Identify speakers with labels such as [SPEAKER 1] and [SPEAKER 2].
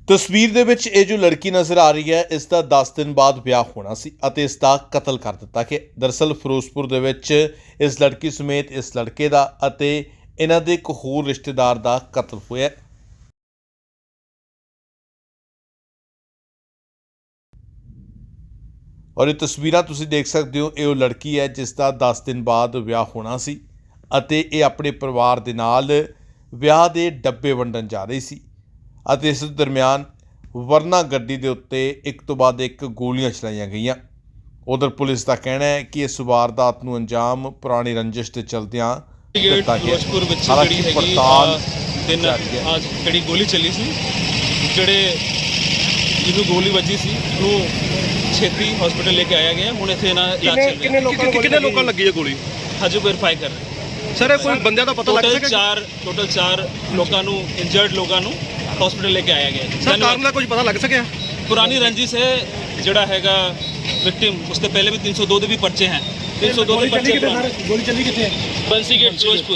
[SPEAKER 1] तस्वीर ਦੇ ਵਿੱਚ ਇਹ ਜੋ ਲੜਕੀ ਨਜ਼ਰ ਆ ਰਹੀ ਹੈ ਇਸ ਦਾ 10 ਦਿਨ ਬਾਅਦ ਵਿਆਹ ਹੋਣਾ ਸੀ ਅਤੇ ਇਸ ਦਾ ਕਤਲ ਕਰ ਦਿੱਤਾ ਗਿਆ। ਦਰਅਸਲ ਫਿਰੋਜ਼ਪੁਰ ਦੇ ਵਿੱਚ ਇਸ ਲੜਕੀ ਸਮੇਤ ਇਸ ਲੜਕੇ ਦਾ ਅਤੇ ਇਹਨਾਂ ਦੇ ਇੱਕ ਹੋਰ ਰਿਸ਼ਤੇਦਾਰ ਦਾ ਕਤਲ ਹੋਇਆ। और ये तस्वीरां तुसीं देख सकते हो, ये लड़की है जिसका 10 दिन बाद विआह होना सी अते ये अपने परिवार दे नाल विआह दे डब्बे वंडन जा रही सी अते इस दरम्यान वरना गड्डी दे उत्ते एक तो बाद एक गोलियां चलाईयां गईयां। उधर पुलिस का कहना है कि इस वारदात नूं अंजाम पुरानी रंजिश के चलदियां दित्ता गया। हालांकि पड़ताल
[SPEAKER 2] आज ਜਿਹੜੀ ਗੋਲੀ ਚੱਲੀ ਸੀ, ਜਿਹੜੇ ਜਿਹਨੂੰ ਗੋਲੀ ਵੱਜੀ ਸੀ ਉਹਨੂੰ ਛੇਤੀ ਹਸਪੀਟਲ ਲੈ ਕੇ ਆਇਆ ਗਿਆ। ਹੁਣ ਇੱਥੇ ਨਾ ਇਲਾਜ ਚੱਲ ਰਿਹਾ।
[SPEAKER 3] ਕਿੰਨੇ ਲੋਕਾਂ ਲੱਗੀ ਹੈ ਗੋਲੀ?
[SPEAKER 2] ਹਜੇ ਵੈਰੀਫਾਈ ਕਰ ਰਹੇ
[SPEAKER 3] ਸਰ ਕੋਈ ਬੰਦਿਆਂ ਦਾ ਪਤਾ ਲੱਗ ਸਕਿਆ?
[SPEAKER 2] ਟੋਟਲ 4 ਲੋਕਾਂ ਨੂੰ, ਇੰਜਰਡ ਲੋਕਾਂ ਨੂੰ ਹਸਪੀਟਲ ਲੈ ਕੇ ਆਇਆ ਗਿਆ।
[SPEAKER 3] ਸਰ ਕਾਰਨ ਦਾ ਕੁਝ ਪਤਾ ਲੱਗ ਸਕਿਆ?
[SPEAKER 2] ਪੁਰਾਣੀ ਰੰਜਿਸ਼ ਹੈ ਜਿਹੜਾ ਹੈਗਾ ਵਿਕਟਿਮ, ਉਸ ਤੋਂ ਪਹਿਲੇ ਵੀ 302 ਦੇ ਵੀ ਪਰਚੇ हैं। 302 ਦੇ ਪਰਚੇ।
[SPEAKER 3] ਗੋਲੀ ਚੱਲੀ ਕਿੱਥੇ?
[SPEAKER 2] ਬੰਸੀ ਗੇਟ ਫਿਰੋਜ਼ਪੁਰ।